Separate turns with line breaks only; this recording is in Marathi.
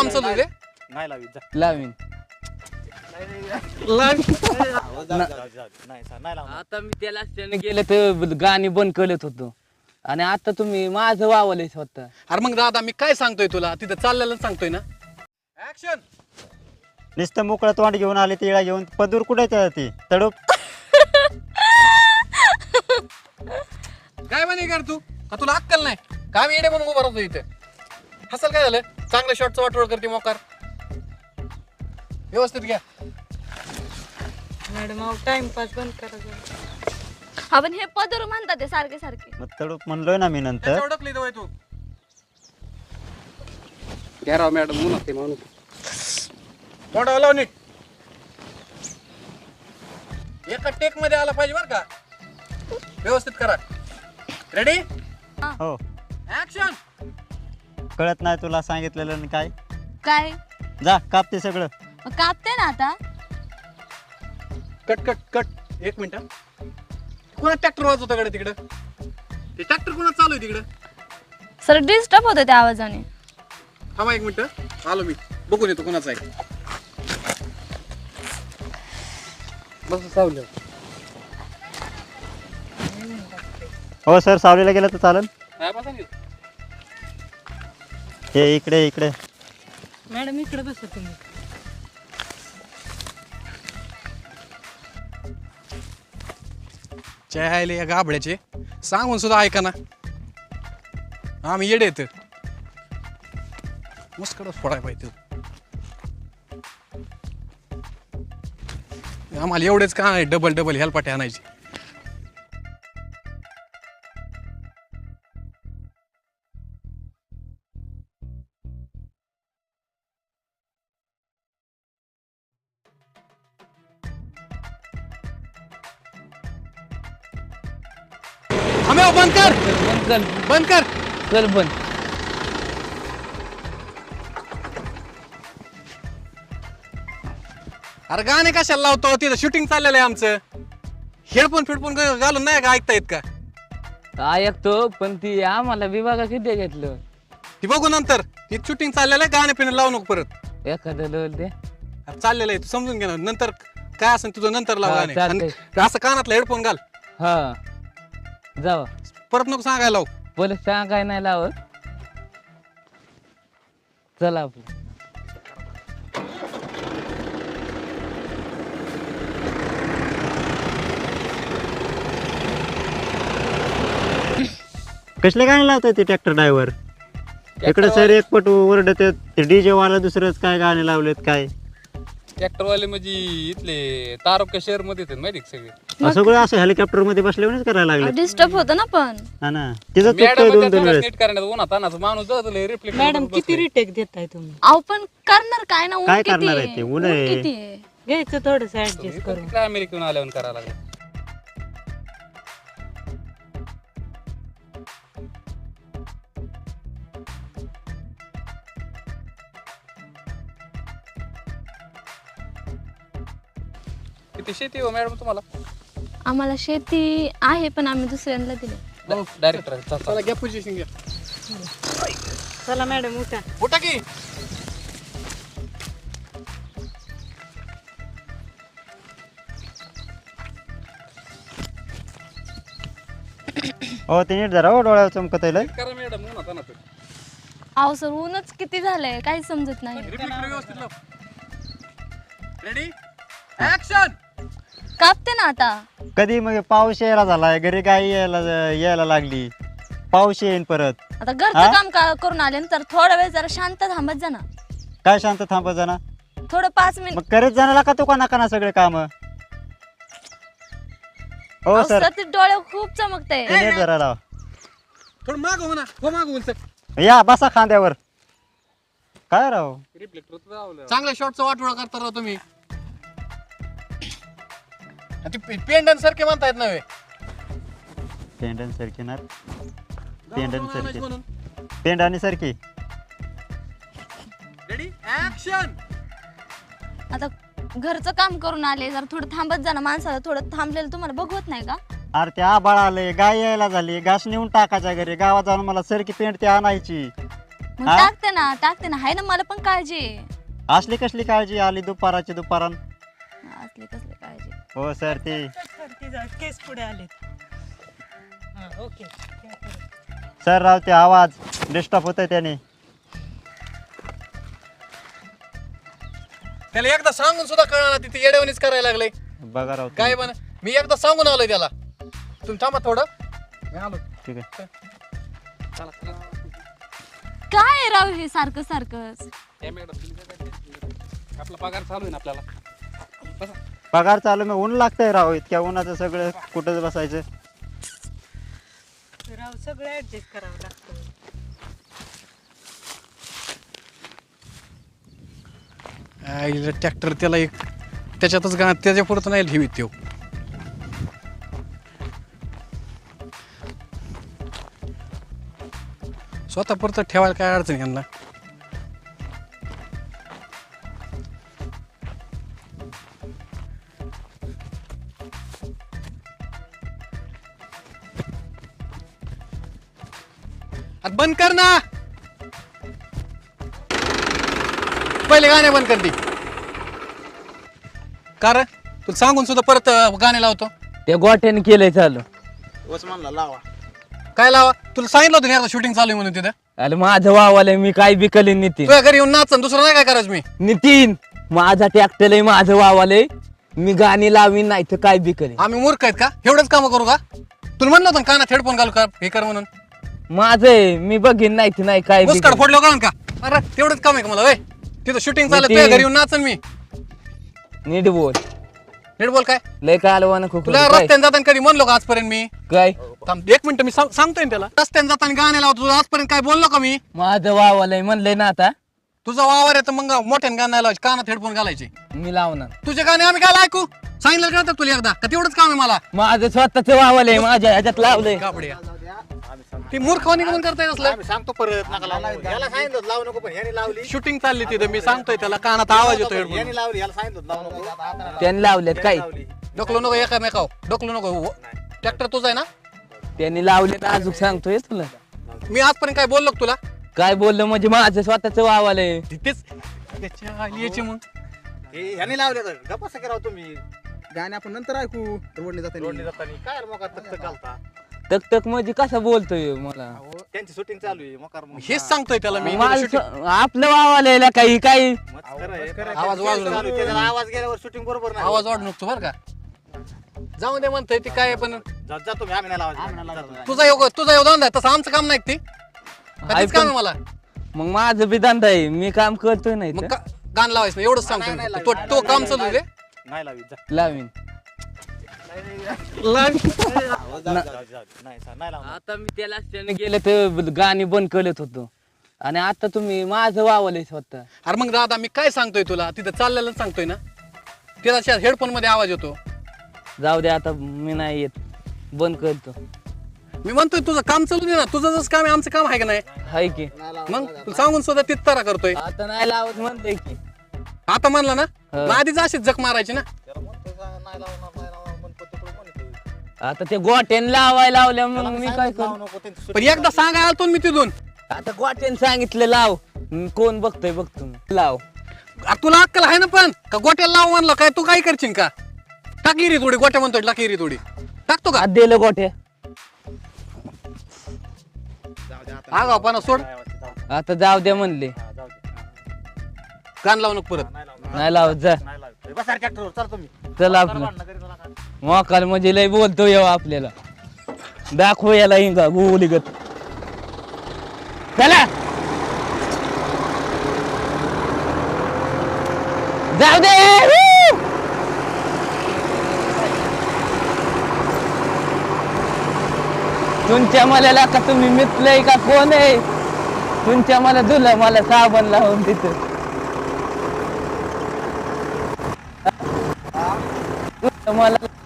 काम चालू दे.
नाही लावी जा.
लावीन.
नाही लावणार.
आता मी त्याला असल्याने गेले तर गाणी बंद करत होतो आणि आता तुम्ही माझं वावले स्वतः.
अरे मग दादा मी काय सांगतोय तुला, तिथं चाललेलं सांगतोय ना. ऍक्शन.
नुसतं मोकळं तोंड घेऊन आले तिळा घेऊन पदूर कुठे ती तडूप.
काय म्हणे कर तू का तुला अक्कल नाही का? मी येडे म्हणून उभा राहतो इथे. हसल काय झालं? चांगलं शॉटचं वाटोळ करते मोकार. व्यवस्थित घ्या.
मॅडम अहो टाइमपास बंद करा जरा.
हा पण हे पदर म्हणतात ते सारखे सारखे.
मग तडूप म्हणलोय ना मी नंतर.
त्याच्या ओळखली दवाई तू. घ्या राव मॅडम म्हणून ते म्हणून. तोंडावर लाव नीट. एका टेक मध्ये आला पाहिजे बरं का. व्यवस्थित करा. रेडी
हो
ऍक्शन.
कळत नाही तुला सांगितलेलं आणि काय.
काय
जा कापते सगळं.
मग कापते ना आता.
Cut cut cut. एक मिनिट. कोणा ट्रॅक्टर वाजवतो कडे तिकडं? ते ट्रॅक्टर कोणा चालू आहे तिकडं?
सर डिस्टर्ब होतं त्या आवाजाने.
थांबा एक मिनिट आलो मी बघून येतो कोणाचा आहे. बस सावलं.
हो सर सावलीला गेलं तर चालेल. हे इकडे इकडे.
मॅडम इकडे बसा तुम्ही.
चहायले या गाबड्याचे सांगून सुद्धा ऐका ना. आम्ही येडे येत मुस्कडच फोडाय पाहिजे. आम्हाला एवढेच का नाही डबल डबल हेलपाटे आणायचे. आम्ही बंद कर
बंद कर.
बंद कर.
चल बंद.
अरे गाणे कशाला लावतो? तिथं शूटिंग चाललेलं आहे आमचं. हेडफोन फिडफोन घालून नाही का ऐकता येत का?
ऐकतो पण ती आम्हाला विभागा किती घेतलं.
ती बघू नंतर. ती शूटिंग चाललेलं आहे. गाणे पिणे लावू नको परत.
एखादं लोल दे.
अरे चाललेलं आहे तू समजून घे ना. नंतर काय असेल तुझं नंतर लाव
हा,
गाणे.
चालतंय.
आणि असं कानातला हेडफोन घाल.
हा जावा.
परत नको सांगायला लावू.
बोल सांगाय नाही लावत. चला आपलं.
कसले गाणे लावतात ते ट्रॅक्टर ड्रायव्हर? इकडे सर एक पट ओरडत ते डीजे वाला दुसरंच काय गाणे लावलेत काय.
ट्रॅक्टरवाले म्हणजे इथले तारका शहर मध्ये येतात माहिती का सगळे.
सगळं असं हेलिकॉप्टर मध्ये बसल्यावरच करायला लागले.
डिस्टर्ब होतं ना पण.
हा ना तिथं चुकतोय दोन दोन वेळेस.
नीट करण्यात उन्हात तानाचं माणूस जातो रिफ्लेक्ट.
मॅडम किती रिटेक देताय तुम्ही?
अहो पण करणार काय ना. ऊन
काय
किती
करणार
आहे?
आहे ते? ऊन आहे.
किती आहे?
घ्यायचं थोडस ऍडजस्ट करून.
अमेरिकेहून आल्यावर करायला लागलं. किती शेती हो मॅडम तुम्हाला?
आम्हाला शेती आहे पण आम्ही दुसऱ्यांना दिले.
डायरेक्टर
चला घ्या पोझिशन घ्या.
चला मॅडम उठा.
उठा की.
हो ते नीट जरा हो डोळ्यावर चमकत आहे.
करा मॅडम उन्हात तानाचं.
अहो सर ऊनच किती झालंय काही समजत नाही.
रिफ्लेक्टर व्यवस्थित लाव. Ready action.
कापते ना आता.
कधी मग पाऊस यायला झालाय घरी गाई यायला लागली. पाऊस येईन परत.
आता
हा?
घरचं काम करून आले ना तर थोडा वेळ जरा शांत थांबत जा ना.
काय शांत थांबत जाणार?
थोडं 5 मिनिट.
मग करत जाणार का तू काना सगळे काम. हो सर
ते डोळे खूप चमकते.
ते नीट जरा लाव.
थोडं माग हो ना. हो माग सर.
या बसा खांद्यावर. काय राव
रिफ्लेक्टर
चांगल्या शॉटचा वाटोळा करता राव तुम्ही. पेंडन सारखे म्हणतायत नव्हे.
पेंडन सारखी ना. पेंडन
गावाला आणायचं
सारखी
म्हणून.
पेंडानी सारखी.
Ready action.
आता घरचं काम करून आले जरा थोडं थांबत जा ना. माणसाला थोडं थांबलेलं तुम्हाला बघवत नाही का?
अरे ते आबाळ आले गाय यायला झाली. घास नेऊन टाकायच्या घरी. गावात जाऊन मला सरकी पेंट ते आणायची.
मग
हा?
टाकते ना हाय ना, मला पण काळजी आहे.
असली कसली काळजी आली दुपाराची दुपारान.
असली कसली काळजी.
हो सर ते
केस पुढे आले. ओके.
सर राव ते आवाज डिस्टर्ब होतोय त्याने.
त्याला एकदा सांगून सुद्धा कळणार तिथे येड्यावणीच करायला लागले.
बघा राव
काय पण मी एकदा सांगून आलोय त्याला. तुम्ही थांबा थोडं, मी आलो.
ठीक आहे.
चला चला.
काय आहे राव हे सारखं सारखंच.
आपला पगार चालू आहे ना आपल्याला. बसा.
पगार चालू मग ऊन लागतंय राव, इतक्या उन्हाचं सगळं कुठं बसायचं.
राव सगळं ऍडजस्ट करावं लागतं.
ट्रॅक्टर त्याला एक त्याच्यातच त्याच्या पुढं नाही ठेवीत तो. स्वतः परत ठेवायला काय अडचण यांना. आता बंद कर ना, पहिले गाणे बंद कर ती. कारण तुला सांगून सुद्धा परत गाणे लावतो.
त्या गोट्याने केलंय चालू.
काय लावा, तुला सांगितलं होतं ना शूटिंग चालू आहे म्हणून तिथं.
अरे माझं वावालय, मी काय बिकले नितीन.
तुझ्या घरी येऊन नाच, दुसरं नाही काय करायचं मी.
नितीन माझा ट्रॅक्टर आहे, माझं वावालय, मी गाणी लावीन नाही तर काय बिकले.
आम्ही मूर्ख आहेत का, एवढंच काम करू का. तुला म्हणलं होतं ना कानात हेडफोन घालू का हे कर म्हणून.
माझं आहे, मी बघीन नाही तर नाही काय
मुस्काड
बिकले.
फोडलं का का. अरे तेवढंच काम आहे का मला. वय तिथं शूटिंग चालत, तुझ्या घरी येऊन नाचन मी.
नीट बोल,
नीट बोल. काय
लय कालवान खूप
तुला रस्त्याने जाताना कधी म्हणलो का आजपर्यंत मी.
काय
थांब एक मिनिट, मी सांगतोय ना त्याला. रस्त्याने जाताना गाणे लावतो, तुला आजपर्यंत काय बोललो का मी.
माझं वावालय म्हणलंय ना आता
तुझा वावर आहे तर मग मोठ्याने गाणं नाही लावायचे, कानात हेडफोन घालायचे.
मी लावणार.
तुझे गाणे आम्ही काय ऐकू. सांगितलं का नव्हतं तुला एकदा का तेवढंच काम आहे मला.
माझं स्वतःच वावालय, माझ्या ह्याच्यात लावलंय.
कापड्या ती मूर्खवानी करून करताय असलं.
सांगतो परत नका याला सांगितलं लावू नको, पण ह्याने लावली.
शूटिंग चालली तिथं, मी सांगतोय त्याला कानात आवाज येतो हेडफोन.
लावली, याला सांगितलं लावू नको.
त्यांनी लावलेत काय,
डोकलो नको एकामेकाव, डोकलो नको. ट्रॅक्टर तुझा आहे ना.
त्यांनी लावलेत अजून सांगतोय तुला.
मी आजपर्यंत काय बोललो का तुला.
काय बोललं म्हणजे माझं स्वतःच वावालय.
तिथेच त्याच्या आलीची मग.
ह्याने लावले तर गप्पा कराव तुम्ही.
गाणे आपण नंतर ऐकू रोडने जाताना.
काय मग तक घालता.
तक तक म्हणजे कसं बोलतोय मला.
त्यांची शूटिंग चालू आहे मोकार.
हेच सांगतोय त्याला मी.
आपलं वावालय काही काही
आवाज वाढलो,
आवाज गेल्यावर शूटिंग बरोबर नाही.
आवाज वाढ नको बरं का. जाऊ दे म्हणतोय ती काय पण.
जा तुम्ही, आम्ही नाही लावायचं.
तुझा योगदान आहे तसं आमचं काम नाही ते. कधीच काम आहे मला.
मग माझं बी धंदा आहे, मी काम करतोय नाही
मग
तर.
गाण लावायचं नाही, एवढंच सांगतोय मी. तो काम चालू दे.
नाही लावी जा.
लावीन.
नाही लावणार.
आता मी त्याला त्याने गेलं तर गाणी बंद करत होतो आणि आता तुम्ही माझं वावलंय स्वतः.
अरे मग दादा मी काय सांगतोय तुला, तिथं चाललेलं सांगतोय ना. त्याच्या हेडफोन मध्ये आवाज येतो.
जाऊ दे आता, मी नाही येत, बंद करतो.
मी म्हणतोय तुझं काम चालू दे ना. तुझं जसं काम आहे आमचं काम आहे का नाही.
हाय की
मग तुला सांगून सुद्धा तिथं करतोय.
आता नाही लावत म्हणते की.
आता म्हणलं ना,
हो.
मग आधीच अशीच जक मारायची ना.
आता ते गोट्याने लावायला लावल्या मग मी काय करू.
पण एकदा सांगायला आलतो ना मी तिथून.
आता गोट्याने सांगितलं लाव, कोण बघतोय बघतो मी. लाव.
अरे तुला अक्कल आहे ना पण का गोट्याला लाव म्हणलं काय तू काय करशील का. टाकी रे थोडी गोट्या म्हणतोय, टाकी रे थोडी टाकतो का.
हात दिलं गोट्या.
आगाव पण सोड.
आता जाऊ द्या म्हणले.
गाण लावू नको परत.
नाही लावत जा.
बसा ट्रॅक्टरवर चला तुम्ही.
चला आपलं मोकाल म्हणजे लय बोलतो येऊ आपल्याला. दाखव याला हिंगा गोलीगत. चला जाऊ दे. तुमच्या मला का तुम्ही मितलंय का कोण आहे. तुमच्या मला धुलं मला साबण लावून तिथं. मला